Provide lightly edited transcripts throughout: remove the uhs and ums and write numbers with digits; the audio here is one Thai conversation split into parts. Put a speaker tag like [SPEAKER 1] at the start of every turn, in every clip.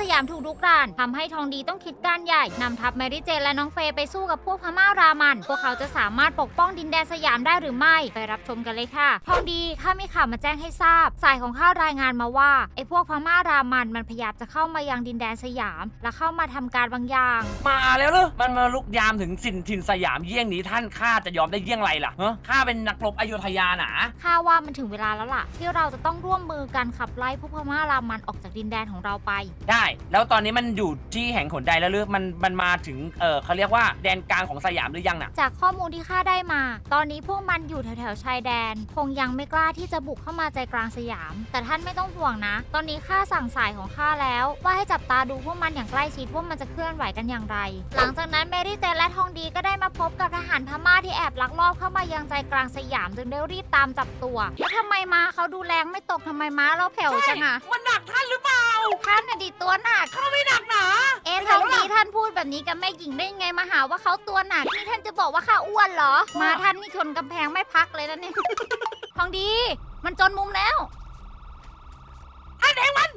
[SPEAKER 1] ยามถูกรุกรานทำให้ทองดีต้องคิดการใหญ่นำทัพแมรี่เจนและน้องเฟย์ไปสู้กับพวกพม่ารามันพวกเขาจะสามารถปกป้องดินแดนสยามได้หรือไม่ไปรับชมกันเลยค่ะทองดีข้ามีข่าวมาแจ้งให้ทราบสายของข้ารายงานมาว่าไอ้พวกพม่ารามันพยายามจะเข้ามายังดินแดนสยามและเข้ามาทำการบางอย่าง
[SPEAKER 2] มาแล้วเหรอมันมาลุกยามถึงถิ่นสยามเยี่ยงนี้ท่านข้าจะยอมได้เยี่ยงไรล่ะข้าเป็นนักรบอโยธยาหนา
[SPEAKER 1] ข้าว่ามันถึงเวลาแล้วล่ะที่เราจะต้องร่วมมือกันขับไล่พวกพม่ารามันออกจากดินแดนของเราไป
[SPEAKER 2] ได้แล้วตอนนี้มันอยู่ที่แห่งหนใดแล้วหรือมันมาถึงเขาเรียกว่าแดนกลางของสยามหรือยังน่ะ
[SPEAKER 1] จากข้อมูลที่ข้าได้มาตอนนี้พวกมันอยู่แถวๆชายแดนคงยังไม่กล้าที่จะบุกเข้ามาใจกลางสยามแต่ท่านไม่ต้องห่วงนะตอนนี้ข้าสั่งสายของข้าแล้วว่าให้จับตาดูพวกมันอย่างใกล้ชิดว่ามันจะเคลื่อนไหวกันอย่างไรหลังจากนั้นแมรี่เจนและทองดีก็ได้มาพบกับทหารพม่าที่แอบลักลอบเข้ามายังใจกลางสยามจึงได้รีบตามจับตัวแล้วทำไมม้าเขาดูแรงไม่ตกทำไมม้าเราแผ่วจังอะ
[SPEAKER 2] มันหนักท่านหรือเปล่า
[SPEAKER 1] ท่านน่ะดิตัวหนัก
[SPEAKER 2] เขาไม่หนักหนา
[SPEAKER 1] ทองดีท่านพูดแบบนี้กับแม่หญิงได้ไงมาหาว่าเขาตัวหนักนี่ท่านจะบอกว่าข้าอ้วนเหรอมาท่านนี่ชนกำแพงไม่พักเลยนะเนี่ยทองดีมันจนมุมแล้ว
[SPEAKER 2] ท่านเองมัน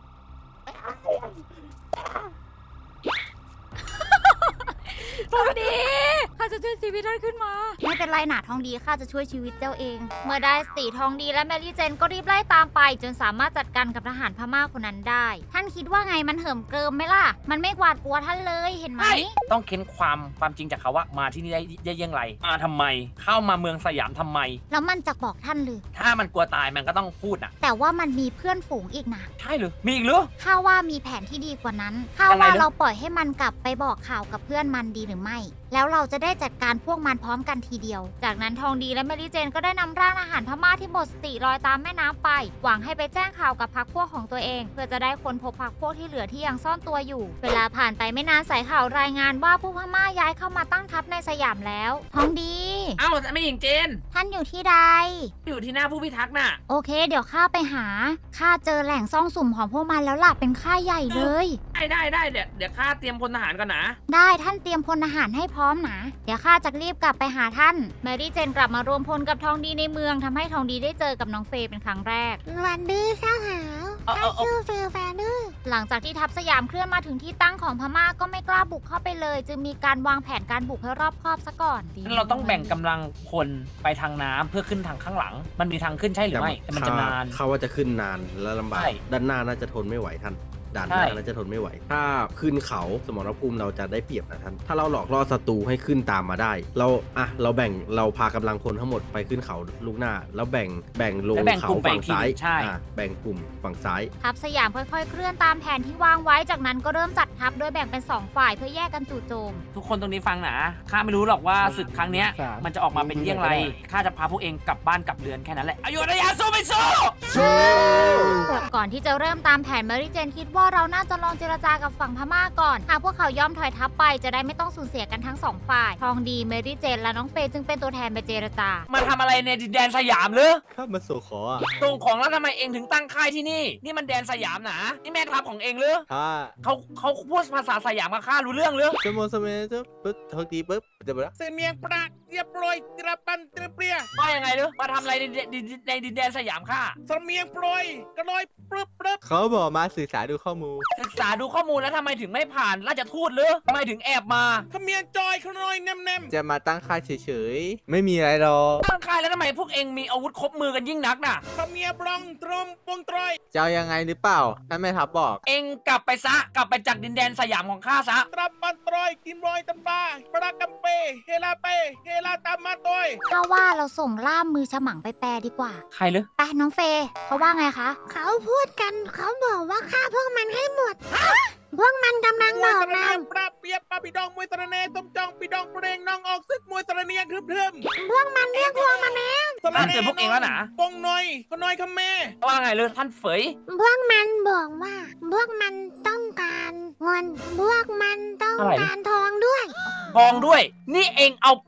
[SPEAKER 1] ทองดีข้าจะช่วยชีวิตท่านขึ้นมาไม่เป็นไรหนาทองดีข้าจะช่วยชีวิตเจ้าเองเมื่อได้สติทองดีและแมรี่เจนก็รีบไล่ตามไปจนสามารถจัดการกับทหารพม่าคนนั้นได้ท่านคิดว่าไงมันเหิมเกริมไหมล่ะมันไม่หวาดกลัวท่านเลยเห็นไหม
[SPEAKER 2] ต้องเค้นความจริงจากเขาว่ามาที่นี่ได้ยังไงมาทำไมเข้ามาเมืองสยามทำไม
[SPEAKER 1] แล้วมันจะบอกท่านหรือ
[SPEAKER 2] ถ้ามันกลัวตายมันก็ต้องพูดนะ
[SPEAKER 1] แต่ว่ามันมีเพื่อนฝูงอีกนะ
[SPEAKER 2] ใช่หรือมีอีกหรือ
[SPEAKER 1] ข้าว่ามีแผนที่ดีกว่านั้นข้าว่าเราปล่อยให้มันกลับไปบอกข่าวกับเพื่อนมันดีหรือไม่แล้วเราจะได้จัดการพวกมันพร้อมกันทีเดียวจากนั้นทองดีและแมรี่เจนก็ได้นำร่างทหารพม่าที่หมดสติลอยตามแม่น้ำไปหวังให้ไปแจ้งข่าวกับพรรคพวกของตัวเองเพื่อจะได้ค้นพบพรรคพวกที่เหลือที่ยังซ่อนตัวอยู่เวลาผ่านไปไม่นานสายข่าวรายงานว่าผู้พม่าย้ายเข้ามาตั้งทัพในสยามแล้วทองดี
[SPEAKER 2] อ้าวไม่หญิงเจน
[SPEAKER 1] ท่านอยู่ที่ใด
[SPEAKER 2] อยู่ที่หน้าผู้พิทักษ์น่ะ
[SPEAKER 1] โอเคเดี๋ยวข้าไปหาข้าเจอแหล่งซ่องสุมของพวกมันแล้วล่ะเป็นค่ายใหญ่เลย
[SPEAKER 2] ได้เดี๋ยวข้าเตรียมพลทหารก่อนนะ
[SPEAKER 1] ได้ท่านเตรียมพลทหารให้พร้อมนะเดี๋ยวข้าจะรีบกลับไปหาท่านแมรี่เจนกลับมารวมพลกับทองดีในเมืองทำให้ทองดีได้เจอกับน้องเฟย์เป็นครั้งแรก
[SPEAKER 3] วันดื้อเจ้าหาวข้าชื่อเฟย์แฟนดื้อ
[SPEAKER 1] หลังจากที่ทัพสยามเคลื่อนมาถึงที่ตั้งของพม่าก็ไม่กล้าบุกเข้าไปเลยจึงมีการวางแผนการบุกให้รอบคอบซะก่อน
[SPEAKER 2] เราต้องแบ่งกำลังพลไปทางน้ำเพื่อขึ้นทางข้างหลังมันมีทางขึ้นใช่หรือไม่แต่มันจะนาน
[SPEAKER 4] เขาว่าจะขึ้นนานและลำบากด้านหน้าน่าจะทนไม่ไหวท่านด่านหน้าน่าจะทนไม่ไหวถ้าขึ้นเขาสมรภูมิเราจะได้เปรียบนะท่านถ้าเราหลอกล่อศัตรูให้ขึ้นตามมาได้เราพากำลังพลทั้งหมดไปขึ้นเขาลูกหน้าแล้วแบ่งลงเขาฝั่งซ้ายแบ่งกลุ่มฝั่งซ้าย
[SPEAKER 1] ทัพสยามค่อยๆเคลื่อนตามแผนที่วางไว้จากนั้นก็เริ่มจัดทัพโดยแบ่งเป็น2ฝ่ายเพื่อแยกกันจู่โจม
[SPEAKER 2] ทุกคนตรงนี้ฟังนะข้าไม่รู้หรอกว่าศึกครั้งนี้มันจะออกมาเป็นเยี่ยงไรข้าจะพาพวกเองกลับบ้านกลับเรือนแค่นั้นแหละอโยธยาสู้ไม่สู้
[SPEAKER 1] ก่อนที่จะเริ่มตามแผนแมรี่เจนคิดว่าเราน่าจะลองเจรจากับฝั่งพม่าก่อนหากพวกเขายอมถอยทัพไปจะได้ไม่ต้องสูญเสียกันทั้ง2ฝ่ายทองดีแมรี่เจนและน้องเฟย์จึงเป็นตัวแทนไปเจรจา
[SPEAKER 2] มาทำอะไรในดินแดนสยามหรือ
[SPEAKER 4] ข้ามาส่ง
[SPEAKER 2] ของแล้วทำไมเองถึงตั้งค่ายที่นี่นี่มันแดนสยามนะนี่แม่ทัพของเองหรือเขาพูดภาษาสยามกับข้ารู้เรื่องหรือ
[SPEAKER 4] สมมติปุ๊บทองดีปุ๊บจะบอก
[SPEAKER 5] เมียงปรากเรียบร้อยตระปันตระเปรีย
[SPEAKER 2] ว่ายังไงหรือมาทำอะไรในดินแดนสยามข้า
[SPEAKER 5] เมียงปรอยกระลอยปรึบ
[SPEAKER 4] เขาบอกมาศึกษาดูข้อมูล
[SPEAKER 2] แล้วทำไมถึงไม่ผ่านราชทูตหรือทำไมถึงแอบมา
[SPEAKER 5] เมียงจอยขน้อยแนม
[SPEAKER 4] จะมาตั้งค่ายเฉยๆไม่มีอะไรหรอก
[SPEAKER 2] ตั้งค่ายแล้วทำไมพวกเองมีอาวุธครบมือกันยิ่งนักน่ะ
[SPEAKER 5] เมียบลองตรมปงตรอย
[SPEAKER 4] จะยังไงหรือเปล่าท่านแม่ทัพบอก
[SPEAKER 2] เองกลับไปจากดินแดนสยามของข้าซะ
[SPEAKER 5] ตรับปันตรอยกินรอยตำปาปรากัมเปเฮลาตามมาตอย
[SPEAKER 1] เพราะว่าเราส่งล่ามมือฉมังไปแปลดีกว่า
[SPEAKER 2] ใครหรือ
[SPEAKER 1] ไปน้องเฟย์เขาว่าไงคะ
[SPEAKER 3] เขาพูดกันเขาบอกว่าฆ่าพวกมันให้หมดพวกมันกำลังบอกเรา
[SPEAKER 5] ปราเปียบปาปิดองมวยตระเนต้มจองปิดองเปรงน้องออกซึกมวยตระเนียครึม
[SPEAKER 3] พวกมันเรียกพวกมันแล้ว
[SPEAKER 2] ท่านเจอพวกเองแล้วนะ
[SPEAKER 5] ปงน้อยขน้อยคำแม่
[SPEAKER 2] ว่าไงเลยท่านเฟย
[SPEAKER 3] พวกมันบอกว่าพวกมันต้องการเงินพวกมันต้องการทองด้วย
[SPEAKER 2] นี่เองเอา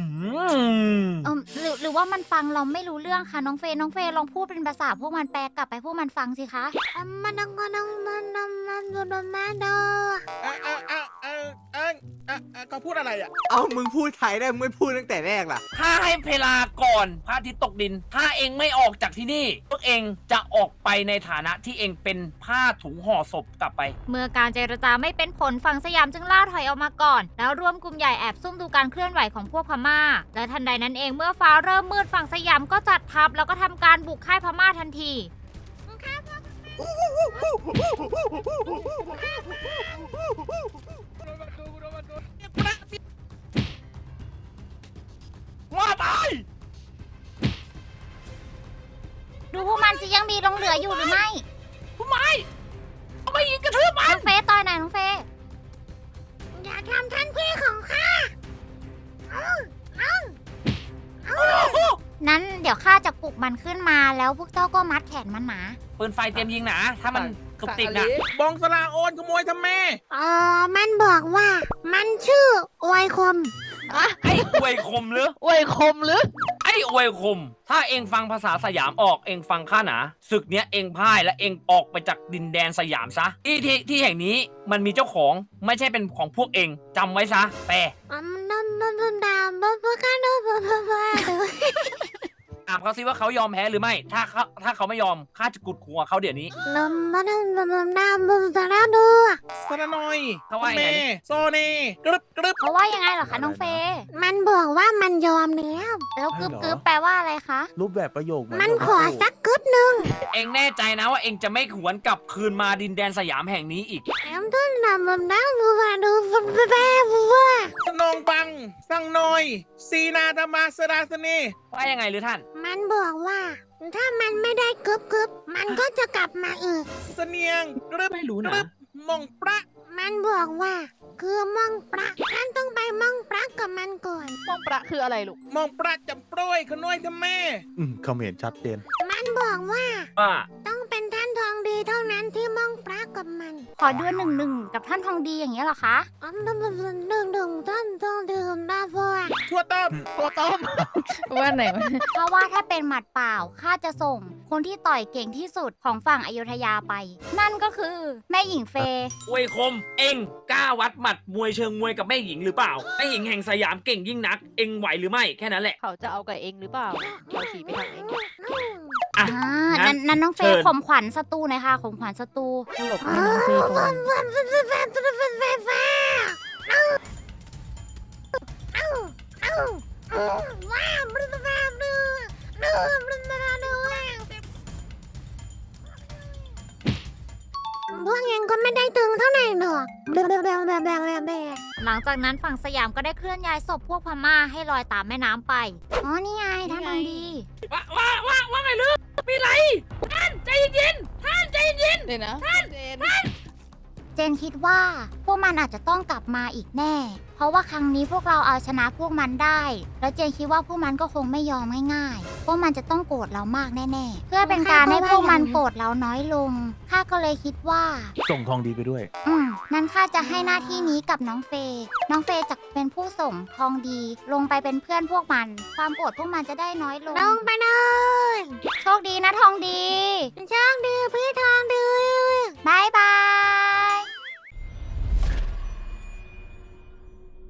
[SPEAKER 1] หรือว่ามันฟังเราไม่รู้เรื่องค่ะน้องเฟย์ลองพูดเป็นภาษาพวกมันแปลกลับไปพวกมันฟังสิคะ
[SPEAKER 3] มันมาโด
[SPEAKER 5] เขาพูดอะไรอ่ะ
[SPEAKER 6] เอ้ามึงพูดไทยได้มึงไม่พูดตั้งแต่แรกล่ะ
[SPEAKER 2] ถ้าให้เวลาก่อนพระอาทิตย์ตกดิน ถ้าเองไม่ออกจากที่นี่ พวกเองจะออกไปในฐานะที่เองเป็นผ้าถุงห่อศพกลับไป
[SPEAKER 1] เมื่อการเจรจาไม่เป็นผลฝั่งสยามจึงล่าถอยออกมาก่อน แล้วรวมกลุ่มใหญ่แอบซุ่มดูการเคลื่อนไหวของพวกพม่า และทันใดนั้นเองเมื่อฟ้าเริ่มมืดฝั่งสยามก็จัดทัพแล้วก็ทำการบุกค่ายพม่าทันที
[SPEAKER 2] ว่าไป
[SPEAKER 1] ดูพวกมันสิยังมีหลงเหลืออยู่หรือไม่
[SPEAKER 2] ทำไมเอาไปยิงกระทืบมัน
[SPEAKER 1] น้องเฟย์ต่อยหน่อยน้องเฟย์
[SPEAKER 3] อย่าทำท่านพี่ของข้า
[SPEAKER 1] นั้นเดี๋ยวข้าจะปลุกมันขึ้นมาแล้วพวกเจ้าก็มัดแขนมันหนา
[SPEAKER 2] ปืนไฟเตรียมยิงนะถ้ามันตุกติกนะ
[SPEAKER 5] บองสลาโอนขโมยทำแม่
[SPEAKER 3] มันบอกว่ามันชื่ออวยคม
[SPEAKER 2] ไอ้อวยคมหรือ
[SPEAKER 7] อวยคมหรือ
[SPEAKER 2] ไอ้อวยคม ถ้าเองฟังภาษาสยามออกเองฟังข้าหนาศึกเนี้ยเองพ่ายและเองออกไปจากดินแดนสยามซะที่แห่งนี้มันมีเจ้าของไม่ใช่เป็นของพวกเองจำไว้ซะแปลถามเขาซิว่าเขายอมแพ้หรือไม่ ถ้าเขาไม่ยอมข้าจะกุดหัวเขาเดี๋ยวนี้
[SPEAKER 5] สระนอย
[SPEAKER 2] เขาว่ายังไง
[SPEAKER 5] แม่โซเน่กรึบกรึบ
[SPEAKER 1] เพราะว่ายังไงเหรอคะน้องเฟย์
[SPEAKER 3] มันบอกว่ามันยอมแล้ว
[SPEAKER 1] แล้วกึบกึบแปลว่าอะไรคะ
[SPEAKER 6] รูปแบบประโยค
[SPEAKER 3] มันขอสักกึบหนึ่ง
[SPEAKER 2] เองแน่ใจนะว่าเองจะไม่หวนกลับคืนมาดินแดนสยามแห่งนี้อีก
[SPEAKER 5] สนองบัง สั่งหน่อย ซีนาธรรมาสราสเน
[SPEAKER 2] ว่ายังไงหรือท่าน
[SPEAKER 3] มันบอกว่า ถ้ามันไม่ได้กึบกึบมันก็จะกลับมาอีก
[SPEAKER 5] เสนียงกรึบ
[SPEAKER 2] ไม่รู้
[SPEAKER 5] ก
[SPEAKER 2] นะ
[SPEAKER 5] รึบมองประ
[SPEAKER 3] มันบอกว่า คือม่องปลาท่านต้องไปม่องปลากับมันก่อน
[SPEAKER 7] มองประคืออะไรลูก
[SPEAKER 5] มองประจำโปรยขน้อยทำแม่
[SPEAKER 6] คอมเมนต์ชัดเจน
[SPEAKER 3] มันบอกว่า
[SPEAKER 2] ว่า
[SPEAKER 3] ต้องเป็นท่านทองดีเท่านั้นที่ม่องปลากับมัน
[SPEAKER 1] ขอด้วย1-1กับท่านทองดีอย่างเงี้ยเหรอคะ
[SPEAKER 3] ดึงท่านทองดื่มได้พอ
[SPEAKER 5] ทั่วต้ม
[SPEAKER 7] ตัวต้ม ว่าไหนวะ
[SPEAKER 1] เพราะว่าถ้าเป็นหมัดเปล่าข้าจะส่ง คนที่ต่อยเก่งที่สุดของฝั่งอยุธยาไป นั่นก็คือแม่หญิงเฟย์
[SPEAKER 2] อวยคม เองกล้าวัดหมัดมวยเชิงมวยกับแม่หญิงหรือเปล่าแม่หญิงแห่งสยามเก่งยิ่งนัก เองไหวหรือไม่แค่นั้นแหละ
[SPEAKER 7] เขาจะเอากับเองหรือเปล่าเขาขี่ไปทางเอง
[SPEAKER 2] อ่ะ
[SPEAKER 1] นั้นน้องเฟย์
[SPEAKER 2] เชิญ
[SPEAKER 1] ข่มขวัญศัตรูหน่อยค่ะข่มขวัญศัตรู
[SPEAKER 7] หลบให้น้องเฟย์ก่อน
[SPEAKER 3] พวกเองก็ไม่ได้ตึงเท่าไหร่หรอก
[SPEAKER 1] หลังจากนั้นฝั่งสยามก็ได้เคลื่อนย้ายศพพวกพม่าให้ลอยตามแม่น้ำไป
[SPEAKER 3] อ๋อ นี่ไงท่านทองดี
[SPEAKER 2] ว่าไงลือมีไรท่านใจเย็นๆท่านใจเย็น
[SPEAKER 7] เดี๋ยวนะ
[SPEAKER 1] เจนคิดว่าพวกมันอาจจะต้องกลับมาอีกแน่ เพราะว่าครั้งนี้พวกเราเอาชนะพวกมันได้ แล้วเจนคิดว่าพวกมันก็คงไม่ยอมง่ายๆ พวกมันจะต้องโกรธเรามากแน่ๆ เพื่อเป็นการให้พวกมันโกรธเราน้อยลง ข้าก็เลยคิดว่า
[SPEAKER 6] ส่งทองดีไปด้วย
[SPEAKER 1] นั้นข้าจะให้หน้าที่นี้กับน้องเฟย์น้องเฟย์จะเป็นผู้ส่งทองดี ลงไปเป็นเพื่อนพวกมัน ความโกรธพวกมันจะได้น้อยลง
[SPEAKER 3] ลงไปเลย
[SPEAKER 1] โชคดีนะทองดี
[SPEAKER 3] โช